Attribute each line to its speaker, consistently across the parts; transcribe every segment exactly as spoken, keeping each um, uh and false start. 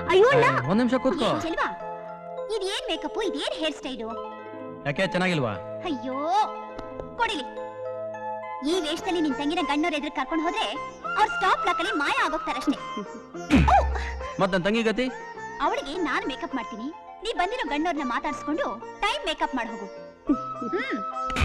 Speaker 1: ಅಯ್ಯೋ
Speaker 2: ಒಂದ್ ನಿಮಿಷ ಕೂತ್ಕೋ.
Speaker 1: ಚೆಲ್ವಾ, ಇದೇನ್ ಮೇಕಪ್, ಇದೇನ್ ಹೇರ್ ಸ್ಟೈಲು?
Speaker 2: ಯಾಕೆ ಚೆನ್ನಾಗಿಲ್ವಾ?
Speaker 1: ಅಯ್ಯೋ ಕೊಡಿಲಿ. ಈ ವೇಷದಲ್ಲಿ ನಿನ್ ತಂಗಿನ ಗಣ್ಣವ್ರ ಎದುರು ಕರ್ಕೊಂಡು ಹೋದ್ರೆ ಅವ್ರ ಸ್ಟಾಪ್ ಲಾಕ್ ಅಲ್ಲಿ ಮಾಯ ಆಗೋಗ್ತಾರಷ್ಟೇ.
Speaker 2: ಮತ್ ನನ್ ತಂಗಿ ಗತಿ?
Speaker 1: ಅವಳಿಗೆ ನಾನು ಮೇಕಪ್ ಮಾಡ್ತೀನಿ, ನೀ ಬಂದಿರೋ ಗಣ್ಣವ್ರನ್ನ ಮಾತಾಡ್ಸ್ಕೊಂಡು ಟೈಮ್ ಮೇಕಪ್ ಮಾಡಿ ಹೋಗು. ಹ್ಮ್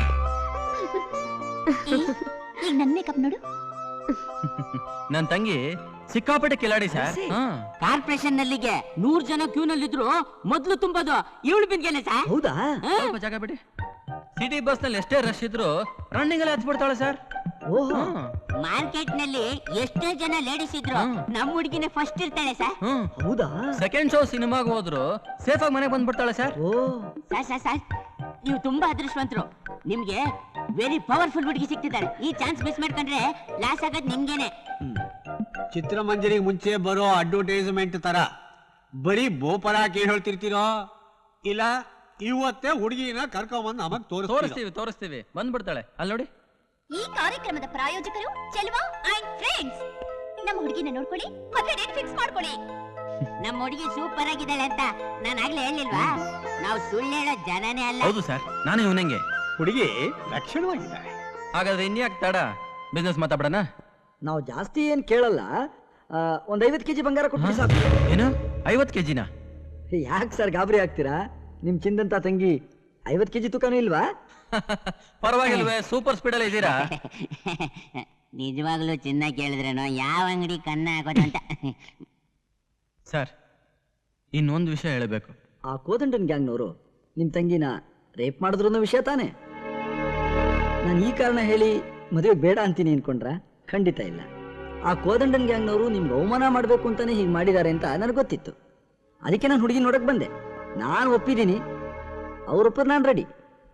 Speaker 1: ಈಗ ನನ್ ಮೇಕಪ್ ನೋಡು.
Speaker 2: ನನ್ ತಂಗಿ ಸಿಕ್ಕಾಪಟ್ಟೆ ಕಿಲಾಡಿ ಸರ್.
Speaker 3: ಕಾರ್ಪೊರೇಷನ್ ನಲ್ಲಿಗೆ ನೂರ್ ಜನ ಕ್ಯೂ ನಲ್ಲಿದ್ರು ಮೊದ್ಲು ತುಂಬೋದು ಇವಳು ಬಿಂದ್ಗೆನೆ ಸರ್.
Speaker 4: ಹೌದಾ?
Speaker 2: ಸ್ವಲ್ಪ ಜಾಗ ಬಿಡಿ. ಸಿಟಿ ಬಸ್ ನಲ್ಲಿ ಎಷ್ಟೇ ರಶ್ ಇದ್ರು ರನ್ನಿಂಗ್ ಅಲ್ಲಿ ಹತ್ಬಿಡ್ತಾಳೆ ಸರ್.
Speaker 3: ಮಾರ್ಕೆಟ್ ನಲ್ಲಿ ಎಷ್ಟೇ ಜನ ಲೇಡೀಸ್ ಇದ್ರು ನಮ್ ಹುಡುಗಿನೇ ಫಸ್ಟ್ ಇರ್ತಾಳೆ ಸರ್.
Speaker 4: ಹೌದಾ?
Speaker 2: ಸೆಕೆಂಡ್ ಶೋ ಸಿನಿಮಾಗ ಹೋದ್ರು ಸೇಫ್ ಆಗಿ ಮನೆಗೆ ಬಂದ್ಬಿಡ್ತಾಳೆ ಸರ್.
Speaker 3: ಸರ್ ಸರ್ ಸರ್ ನೀವು ತುಂಬಾ ಅದೃಷ್ಟವಂತರು. ನಿಮ್ಗೆ ವೆರಿ ಪವರ್ಫುಲ್ ಹುಡುಗಿ ಸಿಗ್ತಿದ್ದಾರೆ. ಈ ಚಾನ್ಸ್ ಮಿಸ್ ಮಾಡ್ಕೊಂಡ್ರೆ ಲಾಸ್ ಆಗೋದ್ ನಿಮ್ಗೇನೆ.
Speaker 5: ಚಿತ್ರಮಂಜರಿಗೆ ಮುಂಚೆ ಬರೋ ಅಡ್ವರ್ಟೈಸ್ಮೆಂಟ್ ತರ ಬರೀ ಬೋಪರ ಏನ್ ಹೇಳ್ತಿರ್ತೀರೋ, ಇಲ್ಲ ಇವತ್ತೇ ಹುಡುಗಿನ ಕರ್ಕೊಂಬಂದು ನಮಗ್
Speaker 2: ತೋರಿಸ್ತೀವಿ ತೋರಿಸ್ತೀವಿ ಬಂದ್ಬಿಡ್ತಾಳೆ. ಅಲ್ಲಿ ನೋಡಿ.
Speaker 1: ಈ ಕಾರ್ಯಕ್ರಮದ ಪ್ರಾಯೋಜಕರು ಚೆಲ್ವಾ ಅಂಡ್ ಫ್ರೆಂಡ್ಸ್. ನಮ್ಮ ಹುಡುಗಿನ ನೋಡ್ಕೊಳ್ಳಿ, ಮತ್ತೆ ಡೇಟ್ ಫಿಕ್ಸ್ ಮಾಡ್ಕೊಳ್ಳಿ.
Speaker 3: ನಮ್ಮ ಹುಡುಗಿ ಸೂಪರ್ ಆಗಿದ್ದಾಳೆ ಅಂತ ನಾನು ಆಗ್ಲೇ ಹೇಳಿಲ್ವಾ? ನಾವು ಸುಳ್ಳು ಹೇಳೋ ಜನನೇ ಅಲ್ಲ.
Speaker 2: ಹೌದು ಸರ್, ನಾನು ಇವನಂಗೆ.
Speaker 5: ಹುಡುಗಿ ಲಕ್ಷಣವಾಗಿದ್ದಾಳೆ.
Speaker 2: ಹಾಗಾದ್ರೆ ಇನ್ಯಾಕ್ ತಡ, ಬಿಸ್ನೆಸ್ ಮಾತಾಡೋಣ.
Speaker 4: ನಾವು ಜಾಸ್ತಿ ಏನ್ ಕೇಳಲ್ಲ, ಒಂದ್ ಐವತ್ ಕೆಜಿ ಬಂಗಾರ ಕೊಟ್ಟು ಸಾಕು.
Speaker 2: ಏನು ಐವತ್ ಕೆಜಿನ?
Speaker 4: ಯಾಕೆ ಸರ್ ಗಾಬರಿ ಆಗ್ತೀರಾ? ನಿಮ್ ಚಿಂದಂತ ತಂಗಿ ಐವತ್ ಕೆಜಿ ತೂಕನೂ ಇಲ್ವಾ?
Speaker 2: ಪರವಾಗಿಲ್ವೇ, ಸೂಪರ್ ಸ್ಪೀಡ್ ಅಲ್ಲಿ ಇದ್ದೀರಾ.
Speaker 3: ನಿಜವಾಗ್ಲೂ ಚಿನ್ನ ಕೇಳಿದ್ರೇನೋ ಯಾವ ಅಂಗಡಿ ಕನ್ನ ಹಾಕೋದಂತ.
Speaker 2: ಸರ್ ಇನ್ನೊಂದು ವಿಷಯ ಹೇಳಬೇಕು.
Speaker 4: ಆ ಕೋದಂಡನ್ ಗ್ಯಾಂಗ್ನವರು ನಿಮ್ ತಂಗಿನ ರೇಪ್ ಮಾಡಿದ್ರು ಅನ್ನೋ ವಿಷಯ ತಾನೆ? ನಾನು ಈ ಕಾರಣ ಹೇಳಿ ಮದುವೆ ಬೇಡ ಅಂತೀನಿ ಅನ್ಕೊಂಡ್ರ? ಖಂಡಿತ ಇಲ್ಲ. ಆ ಕೋದಂಡನ್ ಗ್ಯಾಂಗ್ನವರು ನಿಮ್ಗೆ ಅವಮಾನ ಮಾಡಬೇಕು ಅಂತಾನೆ ಹೀಗೆ ಮಾಡಿದ್ದಾರೆ ಅಂತ ನನಗೆ ಗೊತ್ತಿತ್ತು. ಅದಕ್ಕೆ ನಾನು ಹುಡುಗಿ ನೋಡಕ್ ಬಂದೆ. ನಾನು ಒಪ್ಪಿದ್ದೀನಿ, ಅವ್ರೊಪ್ಪರ್ ನಾನು ರೆಡಿ.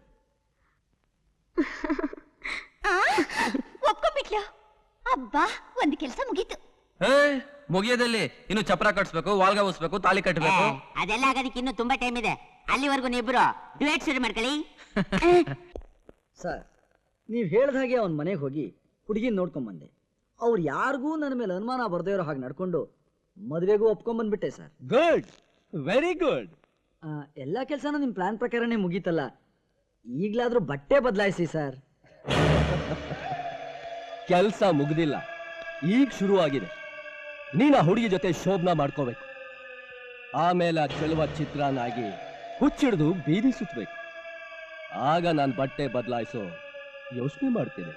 Speaker 1: ಒಪ್ಕೊಂಡ್ಬಿಟ್ಲು. ಅಬ್ಬಾ, ಒಂದು ಕೆಲಸ ಮುಗೀತು.
Speaker 2: ಮುಗಿಯೋದಲ್ಲಿ ಇನ್ನು ಚಪ್ರ ಕಟ್ಸ್ಬೇಕು, ವಾಲ್ಗ ಉಸ್ಬೇಕು, ತಾಲಿ ಕಟ್ಟಬೇಕು.
Speaker 3: ಅದೆಲ್ಲ ಆಗೋದಕ್ಕೆ ಇನ್ನು ತುಂಬಾ ಟೈಮ್ ಇದೆ. ಅಲ್ಲಿವರೆಗೂ ನೀವಿಬ್ರು ಡ್ಯುಯೆಟ್ ಶುರು ಮಾಡ್ಕೊಳ್ಳಿ.
Speaker 4: ಸರ್, ನೀವು ಹೇಳ್ದ ಹಾಗೆ ಅವನ ಮನೆಗೆ ಹೋಗಿ ಹುಡುಗಿನ ನೋಡ್ಕೊಂಬಂದೆ. ಅವ್ರು ಯಾರಿಗೂ ನನ್ನ ಮೇಲೆ ಅನುಮಾನ ಬರ್ದೇ ಇರೋ ಹಾಗೆ ನಡ್ಕೊಂಡು ಮದುವೆಗೂ ಒಪ್ಕೊಂಡ್ಬಂದ್ಬಿಟ್ಟೆ ಸರ್.
Speaker 5: Good, very good.
Speaker 4: ಎಲ್ಲ ಕೆಲಸನೂ ನಿಮ್ಮ ಪ್ಲಾನ್ ಪ್ರಕಾರನೇ ಮುಗೀತಲ್ಲ. ಈಗಲಾದ್ರೂ ಬಟ್ಟೆ ಬದಲಾಯಿಸಿ ಸರ್.
Speaker 6: ಕೆಲಸ ಮುಗ್ದಿಲ್ಲ, ಈಗ ಶುರುವಾಗಿದೆ. ನೀನು ಆ ಹುಡುಗಿ ಜೊತೆ ಶೋಭನ ಮಾಡ್ಕೋಬೇಕು. ಆಮೇಲೆ ಆ ಚೆಲುವ ಚಿತ್ರನಾಗಿ ಹುಚ್ಚಿಡ್ದು ಬೀದಿ ಸುತ್ತಬೇಕು. ಆಗ ನಾನು ಬಟ್ಟೆ ಬದಲಾಯಿಸೋ ಯೋಚನೆ ಮಾಡ್ತೀನಿ.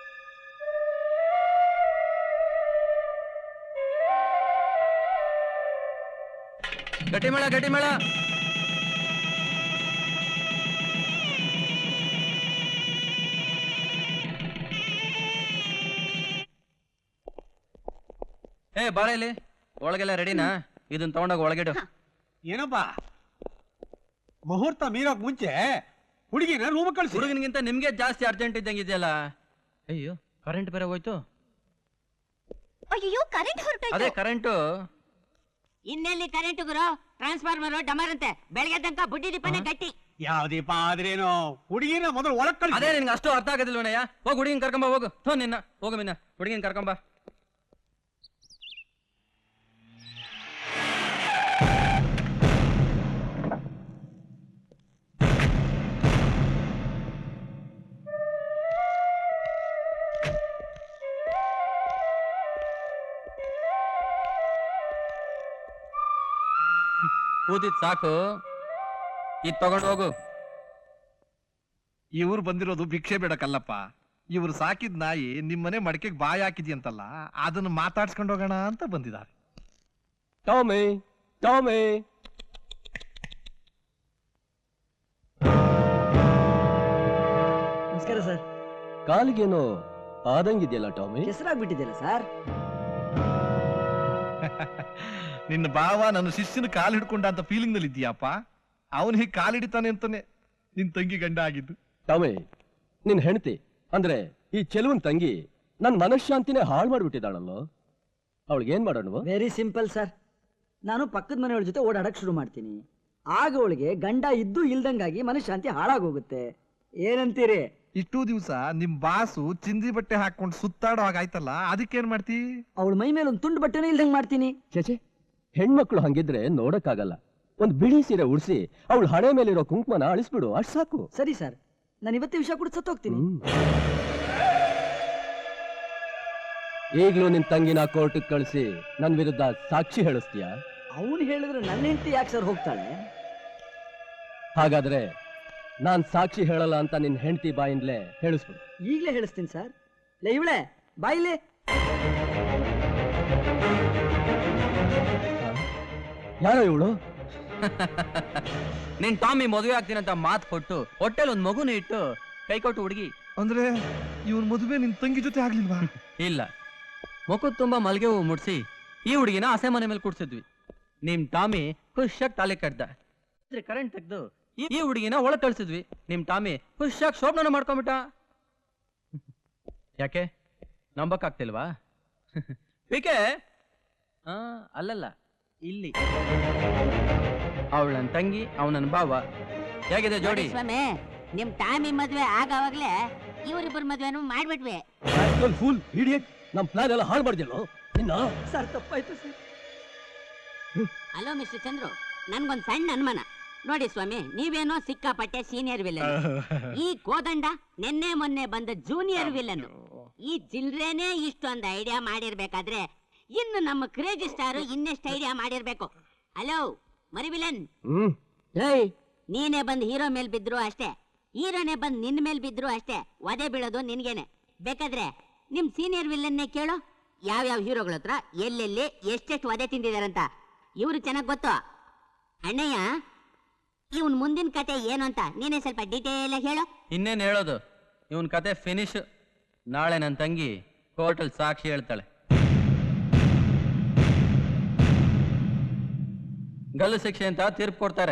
Speaker 2: ಗಟ್ಟಿ ಮೇಳ ಗಟ್ಟಿ ಮೇಳ. ಏ ಬಾಳ ಇಲ್ಲಿ, ಒಳಗೆಲ್ಲ ರೆಡಿನಾ? ಇದನ್ನ ತಗೊಂಡೋಗ ಒಳಗಿಡು.
Speaker 5: ಏನಪ್ಪಾ, ಮುಹೂರ್ತ ಮೀರೋಕ್ ಮುಂಚೆ ಹುಡುಗಿನ ರೂಮ್ ಕಳಿಸಿ.
Speaker 2: ಹುಡುಗನಿಗಿಂತ ನಿಮ್ಗೆ ಜಾಸ್ತಿ ಅರ್ಜೆಂಟ್ ಇದ್ದಂಗಿದೆಯಲ್ಲ. ಅಯ್ಯೋ, ಕರೆಂಟ್ ಬೇರೆ ಹೋಯ್ತು.
Speaker 1: ಅಯ್ಯೋ, ಕರೆಂಟ್ ಹೊರಟೋಯ್ತು.
Speaker 2: ಅದೇ ಕರೆಂಟು.
Speaker 3: ಇನ್ನೆಲ್ಲಿ ಕರೆಂಟ್ ಗುರು? ಟ್ರಾನ್ಸ್ಫಾರ್ಮರ್ ಡಮರ್ ಅಂತೆ. ಬೆಳಗ್ಗೆ ತನಕ ಬುಡ್ಡಿ ದೀಪನೇ ಕಟ್ಟಿ.
Speaker 5: ಯಾವ ದೀಪ ಆದ್ರೇನು, ಹುಡುಗಿನ ಮೊದಲು ಒಳಗ್ ಕಳಿಸಿ.
Speaker 2: ಅದೇ ನಿನ್ಗೆ ಅಷ್ಟು ಅರ್ಥ ಆಗೋದಿಲ್ವನಯ್ಯ. ಹೋಗಿ ಹುಡುಗಿನ ಕರ್ಕೊಂಬ, ಹೋಗು. ಥೋ ನಿನ್ನ, ಹೋಗು ಮಿನ್ನ, ಹುಡುಗಿನ ಕರ್ಕೊಂಬ. ಕೂತಿದ್ ಸಾಕು, ಇದ್ ತಗೊಂಡು ಹೋಗು.
Speaker 7: ಇವ್ರು ಬಂದಿರೋದು ಭಿಕ್ಷೆ ಬೇಡಕ್ಕಲ್ಲಪ್ಪ. ಇವ್ರು ಸಾಕಿದ್ ನಾಯಿ ನಿಮ್ಮನೆ ಮಡಿಕೆಗೆ ಬಾಯಿ ಹಾಕಿದ್ಯಂತಲ್ಲ, ಅದನ್ನ ಮಾತಾಡ್ಸ್ಕೊಂಡು ಹೋಗೋಣ ಅಂತ ಬಂದಿದ್ದಾರೆ.
Speaker 6: Tommy, Tommy.
Speaker 4: ನಮಸ್ಕಾರ ಸರ್.
Speaker 6: ಕಾಲಿಗೇನೋ ಆದಂಗಿದೆಯಲ್ಲ ಟಾಮಿ?
Speaker 4: ಹೆಸರಾಗ್ಬಿಟ್ಟಿದೆಯಲ್ಲ ಸರ್.
Speaker 7: ನಿನ್ನ ಬಾವ ನನ್ನ ಶಿಷ್ಯನ ಕಾಲು ಹಿಡ್ಕೊಂಡ ಅಂತ ಫೀಲಿಂಗ್ ನಲ್ಲಿ ಇದೀಯಪ್ಪ. ಅವನು ಹೀಗೆ ಕಾಲು ಹಿಡಿತಾನೆ ಅಂತಾನೆ ನಿನ್ ತಂಗಿ ಗಂಡ ಆಗಿದ್ದು.
Speaker 6: ಟಾಮಿ, ನಿನ್ ಹೆಂಡತಿ ಅಂದ್ರೆ ಈ ಚೆಲುವನ್ ತಂಗಿ ನನ್ ಮನಃಶಾಂತಿನೇ ಹಾಳು ಮಾಡ್ಬಿಟ್ಟಿದ್ದಾಳಲ್ಲೋ. ಅವಳಿಗೆ ಏನ್ ಮಾಡೋಣ?
Speaker 4: Very simple sir. ನಾನು ಪಕ್ಕದ ಮನೆಯವಳ ಜೊತೆ ಓಡಾಡಕ್ ಶುರು ಮಾಡ್ತೀನಿ. ಆಗ ಅವಳಿಗೆ ಗಂಡ ಇದ್ದು ಇಲ್ದಂಗಾಗಿ ಮನಃಶಾಂತಿ ಹಾಳಾಗೋಗುತ್ತೆ. ಏನಂತೀರಿ?
Speaker 7: ಇಷ್ಟು ದಿವಸ ನಿಮ್ ಬಾಸು ಚಿಂದಿ ಬಟ್ಟೆ ಹಾಕೊಂಡು ಸುತ್ತಾಡೋ ಹಾಗಾಯ್ತಲ್ಲ, ಅದಕ್ಕೇನ್ ಮಾಡ್ತಿ?
Speaker 4: ಅವಳ ಮೈ ಮೇಲೆ ಒಂದು ತುಂಡು ಬಟ್ಟೆನೂ ಇಲ್ದಂಗ್ ಮಾಡ್ತೀನಿ.
Speaker 6: ಚೇಚೆ, ಹೆಣ್ಮಕ್ಳು ಹಂಗಿದ್ರೆ ನೋಡಕ್ಕಾಗಲ್ಲ. ಒಂದ್ ಬಿಳಿ ಸೀರೆ ಉಡ್ಸಿ ಅವಳು ಹಣೆ ಮೇಲಿರೋ ಕುಂಕುಮನ ಅಳಿಸ್ಬಿಡು, ಅಷ್ಟ್ ಸಾಕು.
Speaker 4: ಸರಿ ಸರ್, ನಾನು ಇವತ್ತೇ ವಿಷಯ ಕೂಡ ಸತ್ತೋಗ್ತೀನಿ.
Speaker 6: ಹ್ಮ್. ಈಗ್ಲೂ ನಿನ್ ತಂಗಿನ ಕೋರ್ಟಿಗೆ ಕಳಿಸಿ ನನ್ ವಿರುದ್ಧ ಸಾಕ್ಷಿ ಹೇಳಿಸ್ತೀಯಾ?
Speaker 4: ಅವನು ಹೇಳಿದ್ರೆ ನನ್ನ ಹೆಂಡತಿ ಯಾಕೆ ಸರ್ ಹೋಗ್ತಾಳೆ?
Speaker 6: ಹಾಗಾದ್ರೆ ನಾನ್ ಸಾಕ್ಷಿ ಹೇಳಲ್ಲ ಅಂತ ನಿನ್ ಹೆಂಡತಿ ಬಾಯಿಂದಲೇ ಹೇಳಿಸ್ಬಿಡು.
Speaker 4: ಈಗಲೇ ಹೇಳಿಸ್ತೀನಿ ಸರ್. ಲೇ ಇವಳೆ ಬಾಯಿಲೆ.
Speaker 6: ಯಾರೋ ಇವಳು?
Speaker 2: ನಿನ್ ಟಾಮಿ ಮದುವೆ ಆಗ್ತೀನಿ ಅಂತ ಮಾತು ಕೊಟ್ಟು ಹೊಟ್ಟೆಲ್ ಒಂದ್ ಮಗುನ ಇಟ್ಟು ಕೈ ಕೊಟ್ಟು ಹುಡುಗಿ.
Speaker 7: ಅಂದ್ರೆ ಇವನ್ ಮದುವೆ ನಿನ್ ತಂಗಿ ಜೊತೆ ಆಗ್ಲಿಲ್ವಾ?
Speaker 2: ಇಲ್ಲ, ಮುಖದ ತುಂಬಾ ಮಲ್ಗೆ ಹೂವು ಮುಡ್ಸಿ ಈ ಹುಡುಗಿನ ಹಸೆ ಮನೆ ಮೇಲೆ ಕೂಡ್ಸಿದ್ವಿ. ನಿಮ್ ಟಾಮಿ ಖುಷಿಯಾಗಿ ತಾಳಿ ಕಟ್ದ. ಕರೆಂಟ್ ತೆಗ್ದು ಈ ಹುಡುಗಿನ ಒಳಗ್ ಕಳ್ಸಿದ್ವಿ. ನಿಮ್ ಟಾಮಿ ಖುಷಿಯಾಗಿ ಶೋಭನ ಮಾಡ್ಕೊಂಬಿಟ್ಟ. ಯಾಕೆ ನಂಬಕ್ ಆಗ್ತಿಲ್ವಾ? ಏಕೆ? ಆ ಅಲ್ಲಲ್ಲ, ಇಲ್ಲಿ ಅವಳ ನನ್ ತಂಗಿ, ಅವ್ ನನ್ ಭಾವ. ಹೇಗಿದೆ ಜೋಡಿ?
Speaker 3: ಸ್ವಾಮಿ, ನಿಮ್ ಟಾಮಿ ಮದ್ವೆ ಆಗವಾಗ್ಲೇ ಇವರಿಬ್ಬರ ಮದ್ವೆನೂ ಮಾಡ್ಬಿಟ್ವಿ.
Speaker 6: ಫುಲ್ ಇಡಿಯಟ್, ನಮ್ ಪ್ಲಾನ್ ಎಲ್ಲ ಹಾಳು ಮಾಡಿದ್ಯಲ್ಲೋ ನಿನ್ನ.
Speaker 4: ಸರ್ ತಪ್ಪಾಯ್ತು ಸರ್.
Speaker 3: ಹಲೋ ಮಿಸ್ಟರ್ ಚಂದ್ರು, ನನ್ಗೊಂದ್ ಸಣ್ಣ ಅನುಮಾನ. ನೋಡಿ ಸ್ವಾಮಿ, ನೀವೇನೋ ಸಿಕ್ಕಾಪಟ್ಟೆ ಸೀನಿಯರ್ ವಿಲನ್, ಈ ಕೋದಂಡ ನಿನ್ನೆ ಮೊನ್ನೆ ಬಂದ ಜೂನಿಯರ್ ವಿಲನ್. ಈ ಚಿಲ್ಡ್ರೇನೆ ಇಷ್ಟೊಂದು ಐಡಿಯಾ ಮಾಡಿರ್ಬೇಕಾದ್ರೆ ಇನ್ನು ನಮ್ಮ ಕ್ರೇಜಿ ಸ್ಟಾರ್ ಇನ್ನೆಷ್ಟು ಐಡಿಯಾ ಮಾಡಿರ್ಬೇಕು. ಹಲೋ ಮರಿ ವಿಲನ್,
Speaker 6: ಹ್ಮ್
Speaker 3: ನೀನೇ ಬಂದ್ ಹೀರೋ ಮೇಲ್ ಬಿದ್ರು ಅಷ್ಟೇ, ಹೀರೋನೇ ಬಂದ್ ನಿನ್ ಮೇಲ್ ಬಿದ್ರು ಅಷ್ಟೇ, ಒದೆ ಬೀಳೋದು ನಿನ್ಗೇನೆ. ಬೇಕಾದ್ರೆ ನಿಮ್ ಸೀನಿಯರ್ ವಿಲನ್ನೇ ಕೇಳೋ, ಯಾವ್ಯಾವ ಹೀರೋಗಳ ಹತ್ರ ಎಲ್ಲೆಲ್ಲಿ ಎಷ್ಟೆಷ್ಟು ಒದೆ ತಿಂದಿದಾರಂತ. ಇವ್ರು ಚೆನ್ನಾಗ್ ಗೊತ್ತು. ಅಣ್ಣಯ್ಯ, ಇವನ್ ಮುಂದಿನ ಕತೆ ಏನು ಅಂತ ನೀನೇ ಸ್ವಲ್ಪ ಡೀಟೇಲ್ ಆಗಿ ಹೇಳೋ.
Speaker 2: ಇನ್ನೇನ್ ಹೇಳೋದು, ಇವನ್ ಕತೆ ಫಿನಿಶ್. ನಾಳೆ ನನ್ ತಂಗಿ ಕೋರ್ಟಲ್ ಸಾಕ್ಷಿ ಹೇಳ್ತಾಳೆ. ಗಲ್ಲು ಶಿಕ್ಷೆ ಅಂತ ತೀರ್ಪು ಕೊಡ್ತಾರೆ.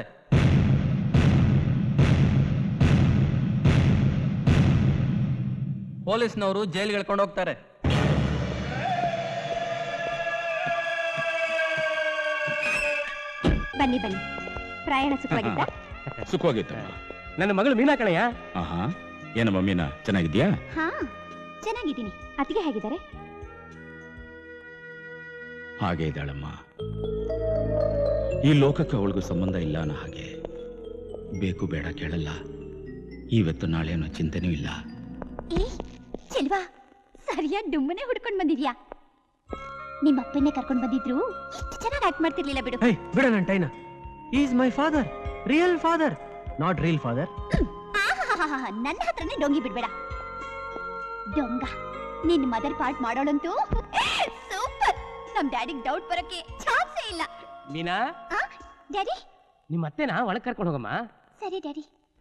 Speaker 2: ಪೊಲೀಸ್ನವರು ಜೈಲ್ಗೆ ಎಳ್ಕೊಂಡು ಹೋಗ್ತಾರೆ.
Speaker 1: ಬನ್ನಿ ಬನ್ನಿ, ಪ್ರಯಾಣ ಸುಖವಾಗಿದ್ದ?
Speaker 8: ಸುಖವಾಗಿತ್ತಮ್ಮ.
Speaker 6: ನನ್ನ ಮಗಳು ಮೀನಾ ಕಣಯ್ಯ.
Speaker 8: ಆಹಾ, ಏನಮ್ಮ ಮೀನಾ, ಚೆನ್ನಾಗಿದ್ಯಾ?
Speaker 1: ಹಾ ಚೆನ್ನಾಗಿದ್ದೀನಿ. ಅತ್ತಿಗೆ ಹೇಗಿದ್ದಾರೆ?
Speaker 8: ಹಾಗೆ ಇದ್ದಾಳಮ್ಮ. ಈ ಲೋಕಕ್ಕೆ ಅವಳಿಗೂ ಸಂಬಂಧ ಇಲ್ಲ ಅನ್ನೋ ಹಾಗೆ. ಬೇಕು ಬೇಡ ಕೇಳಲ್ಲ, ಇವತ್ತು ನಾಳೆ ಅನ್ನೋ ಚಿಂತೆನೂ ಇಲ್ಲ.
Speaker 1: ಏ ಚೆಲ್ವಾ, ಸರಿಯಾಗಿ ಡುಮ್ಮನೆ ಹುಡ್ಕೊಂಡ್ ಬಂದಿದ್ಯಾ. ನಿಮ್ಮ ಅಪ್ಪನ್ನೇ ಕರ್ಕೊಂಡ್ ಬಂದಿದ್ರು ಎಷ್ಟು ಚೆನ್ನಾಗಿ ಆಕ್ಟ್ ಮಾಡ್ತಿರ್ಲಿಲ್ಲ ಬಿಡು.
Speaker 2: ಹೇ ಬಿಡ ನನ್ ಟೈನ. Is my father, real father, not reel father.
Speaker 1: ಆಹಾಹಾಹಾ, ನನ್ನ ಹತ್ರನೇ ಡೊಂಗಿ ಬಿಡ್ಬೇಡ. ಡೊಂಗ, ನಿನ್ ಮದರ್ ಪಾರ್ಟ್ ಮಾಡೋಳಂತೂ ಸೂಪರ್. ನಮ್ ಡ್ಯಾಡಿಗ್ ಡೌಟ್ ಬರಕ್ಕೆ ಚಾನ್ಸೇ ಇಲ್ಲ.
Speaker 6: ಮೀನಾ,
Speaker 1: ಡ್ಯಾಡಿ
Speaker 6: ನಿಮ್ಮ ಅತ್ತೆನ ಒಳಗ್ ಕರ್ಕೊಂಡು ಹೋಗಮ್ಮ.
Speaker 1: ಸರಿ ಡ್ಯಾಡಿ.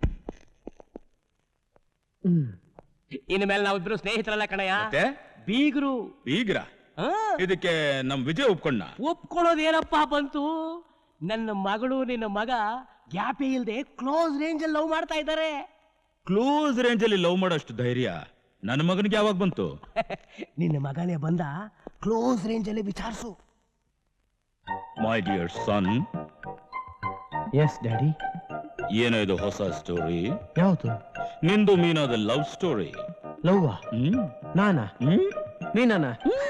Speaker 6: ಇನ್ನು ಮೇಲೆ ನಾವಿಬ್ರು ಸ್ನೇಹಿತರಲ್ಲ ಕಣಯ್ಯ,
Speaker 8: ಮತ್ತೆ
Speaker 6: ಬೀಗರು.
Speaker 8: ಬೀಗ್ರ? ಇದಕ್ಕೆ ನಮ್ ವಿಜಯ್ ಒಪ್ಕೊಂಡ?
Speaker 6: ಒಪ್ಕೊಳ್ಳೋದೇನಪ್ಪ ಬಂತು? ನನ್ನ ಮಗಳು ನಿನ್ನ ಮಗ ಗ್ಯಾಪೇ ಇಲ್ದೆ ಕ್ಲೋಸ್ ರೇಂಜ್ ಅಲ್ಲಿ ಲವ್ ಮಾಡ್ತಾ ಇದ್ದಾರೆ.
Speaker 8: ಕ್ಲೋಸ್ ರೇಂಜ್ ಅಲ್ಲಿ ಲವ್ ಮಾಡೋಷ್ಟು ಧೈರ್ಯ ನನ್ನ ಮಗನಿಗೆ ಯಾವಾಗ ಬಂತು?
Speaker 6: ನಿನ್ನ ಮಗನೇ ಬಂದ, ಕ್ಲೋಸ್ ರೇಂಜ್ ಅಲ್ಲಿ ವಿಚಾರಿಸು.
Speaker 8: My dear son.
Speaker 6: Yes daddy.
Speaker 8: ಏನೋ ಇದು ಹೊಸ ಸ್ಟೋರಿ?
Speaker 6: ಯಾವುದು?
Speaker 8: ನಿಂದು ಮೀನಾದ ಲವ್ ಸ್ಟೋರಿ.
Speaker 6: ಲವ್?
Speaker 8: ಹ್ಮ್
Speaker 6: ನಾನಾ?
Speaker 8: ಹ್ಮ್
Speaker 2: ಮೀನಾನ?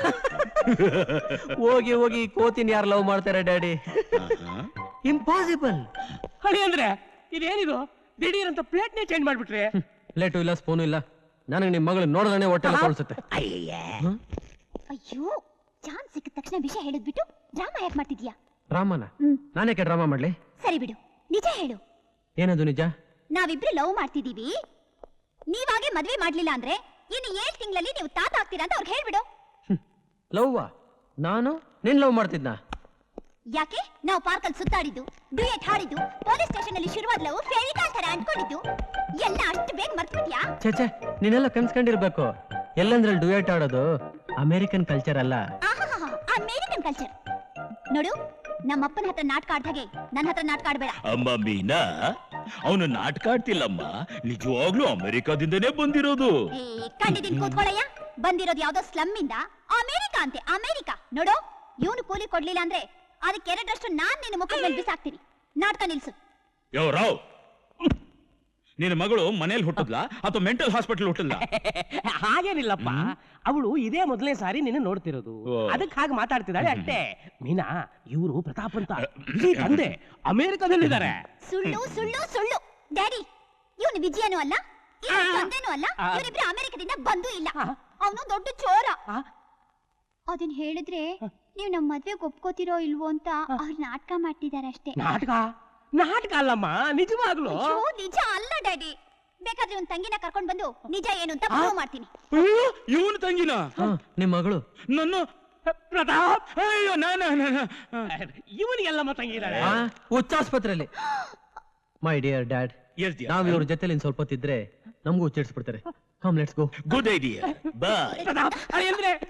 Speaker 2: ಹೋಗಿ ಹೋಗಿ ಕೋತಿನ ಯಾರು ಲವ್ ಮಾಡ್ತಾರೆ ಡ್ಯಾಡಿ?
Speaker 6: ಇಂಪಾಸಿಬಲ್. ಹಳಿ ಅಂದ್ರೆ ಇದೇನಿದು? ದಿಢೀರ್ ಅಂತ ಪ್ಲೇಟ್ನೇ ಚೇಂಜ್ ಮಾಡ್ಬಿಟ್ರೆ.
Speaker 2: ಪ್ಲೇಟು ಇಲ್ಲ, ಸ್ಪೂನು ಇಲ್ಲ. ನನಗೆ ನಿಮ್ ಮಗಳು ನೋಡಿದ್ರೆ ಹೊಟ್ಟೆ ತೋರಿಸುತ್ತೆ.
Speaker 1: ಅಯ್ಯೋ, ಚಾನ್ಸ್ ಸಿಕ್ಕ ತಕ್ಷಣ ವಿಷಯ ಹೇಳಿದ್ಬಿಟ್ಟು ಡ್ರಾಮಾ ಯಾಕೆ ಮಾಡ್ತಿದ್ಯಾ?
Speaker 2: ಡ್ರಾಮಾನ? ನಾನೇಕೆ ಡ್ರಾಮಾ ಮಾಡ್ಲಿ?
Speaker 1: ಸರಿ ಬಿಡು, ನಿಜ ಹೇಳು.
Speaker 2: ಏನದು ನಿಜ?
Speaker 1: ನಾವಿಬ್ರು ಲವ್ ಮಾಡ್ತಿದೀವಿ, ನೀವಾಗೆ ಮದ್ವೆ ಮಾಡ್ಲಿಲ್ಲ ಅಂದ್ರೆ ಇನ್ನು ಏಳ್ ತಿಂಗಳಲ್ಲಿ ನೀವು ತಾತ ಆಗ್ತೀರಾ ಅಂತ ಅವ್ರಿಗೆ ಹೇಳ್ಬಿಡು.
Speaker 2: ಲವ್ವಾ? ನಾನು ನಿನ್ ಲವ್ ಮಾಡ್ತಿದ್ನ?
Speaker 1: ಯಾಕೆ? ನಾವು ಪಾರ್ಕಲ್ಲಿ ಸುತ್ತಾಡಿದ್ದು, ಡ್ಯೂಯೆಟ್ ಹಾಡಿದ್ದು, ಪೊಲೀಸ್ ಸ್ಟೇಷನ್ ಅಲ್ಲಿ ಶುರುವಾದ ಲವ್ ಫೇರಿಕಾಲ್ ತರ ಅಂದ್ಕೊಂಡಿದ್ದು ಎಲ್ಲ ಅಷ್ಟು ಬೇಗ ಮರ್ತ್ಬಿಟ್ಯಾ?
Speaker 2: ಛೇ ಛೇ, ನೀನೆಲ್ಲ ಕನ್ಸ್ಕೊಂಡಿರ್ಬೇಕು. ಎಲ್ಲಂದ್ರಲ್ಲಿ ಡ್ಯೂಯೆಟ್ ಆಡೋದು ಅಮೆರಿಕನ್ ಕಲ್ಚರ್ ಅಲ್ಲ.
Speaker 1: ಆಹಾಹಾ, ಅಮೇರಿಕನ್ ಕಲ್ಚರ್. ನೋಡು, ನಮ್ಮಪ್ಪನ ಹತ್ರ ನಾಟಕ ಆಡ್ದಾಗೆ ನನ್ನ ಹತ್ರ ನಾಟಕ ಆಡ್ಬೇಡ.
Speaker 8: ಅಮ್ಮ ಮೀನಾ, ಅವನು ನಾಟಕ ಆಡ್ತಿಲ್ಲಮ್ಮ, ನಿಜವಾಗ್ಲೂ ಅಮೆರಿಕಾದಿಂದನೇ ಬಂದಿರೋದು.
Speaker 1: ಏ ಕಂಡಿದ್ದೀನಿ, ಕೂತ್ಕೊಳ್ಳಯ್ಯ. ಬಂದಿರೋದು ಯಾವ್ದೋ ಸ್ಲಮ್ ಇಂದ, ಅಮೇರಿಕಾ ಅಂತೆ, ಅಮೇರಿಕಾ. ನೋಡು, ಇವನು ಕೂಲಿ ಕೊಡ್ಲಿಲ್ಲ ಅಂದ್ರೆ ಅದಕ್ಕೆ ಎರಡರಷ್ಟು ನಾನ್ ನಿನ್ನ ಮುಖದ ಮೇಲೆ ಬಿಸಾಕ್ತೀನಿ. ನಾಟಕ ನಿಲ್ಸು.
Speaker 8: ಯೋ ರಾವ್, ನಿನ್ನ ಮಗಳು ಮನೇಲಿ ಹುಟ್ಟದ್ಲಾ ಅಥವಾ ಮೆಂಟಲ್ ಹಾಸ್ಪಿಟಲ್ ಹುಟ್ಟದ್ಲಾ?
Speaker 9: ಹಾಗೇನಿಲ್ಲಪ್ಪ, ಅವಳು ಇದೇ ಮೊದಲನೇ ಸಾರಿ ನಿನ್ನ ನೋಡ್ತಿರೋದು, ಅದಕ್ಕೆ ಹಾಗೆ ಮಾತಾಡ್ತಿದ್ದಾಳೆ ಅಷ್ಟೇ. ಮೀನಾ, ಇವರು ಪ್ರತಾಪ್ ಅಂತ ಇಡೀ ತಂದೆ ಅಮೆರಿಕದಲ್ಲಿದ್ದಾರೆ.
Speaker 1: ಸುಳ್ಳು ಸುಳ್ಳು ಸುಳ್ಳು. ಡ್ಯಾಡಿ, ಇವನು ವಿಜಯನೂ ಅಲ್ಲ, ಇವನು ತಂದೆನೂ ಅಲ್ಲ, ಇವರಿಬ್ರು ಅಮೆರಿಕದಿಂದ ಬಂದೂ ಇಲ್ಲ. ಅವನು ದೊಡ್ಡ ಚೋರ. ಅದನ್ನ ಹೇಳಿದ್ರೆ ನೀವು ನಮ್ಮ ಮದ್ವೆಗೆ ಒಪ್ಕೋತಿರೋ ಇಲ್ವೋ ಅಂತ ಅವ್ರು ನಾಟಕ ಮಾಡ್ತಿದ್ದಾರೆ ಅಷ್ಟೇ.
Speaker 9: ನಾಟಕ ನಾಟಕ ಅಲ್ಲಮ್ಮ, ನಿಜವಾಗ್ಲು.
Speaker 1: ಅಯ್ಯೋ, ನಿಜ ಅಲ್ಲ ಡ್ಯಾಡಿ. ಬೇಕಾದ್ರೆ ಒಂದ್ ತಂಗಿನ ಕರ್ಕೊಂಡ್ ಬಂದು ನಿಜ ಏನು ಅಂತ ಪ್ರೂವ್ ಮಾಡ್ತೀನಿ.
Speaker 8: ಇವನು ತಂಗಿನ?
Speaker 2: ನಿಮ್ ಮಗಳು
Speaker 8: ನನ್ನ
Speaker 9: ಪ್ರತಾಪ್,
Speaker 8: ಅಯ್ಯೋ ನಾನ
Speaker 9: ಇವನಿಗೆಲ್ಲಮ್ಮ ತಂಗಿದ್ದಾಳೆ.
Speaker 2: ಹುಚ್ಚಾಸ್ಪತ್ರೆಯಲ್ಲಿ. ಮೈ ಡಿಯರ್ ಡ್ಯಾಡ್, ನಾವ್ ಇವ್ರ ಜೊತೆಲಿ ಸ್ವಲ್ಪ ಹೊತ್ತಿದ್ರೆ ನಮಗೂ ಚಿಡ್ಸ್ಬಿಡ್ತಾರೆ. Come let's go.
Speaker 8: Good idea. Bye.
Speaker 9: Pratap, ಅಂದ್ರೆ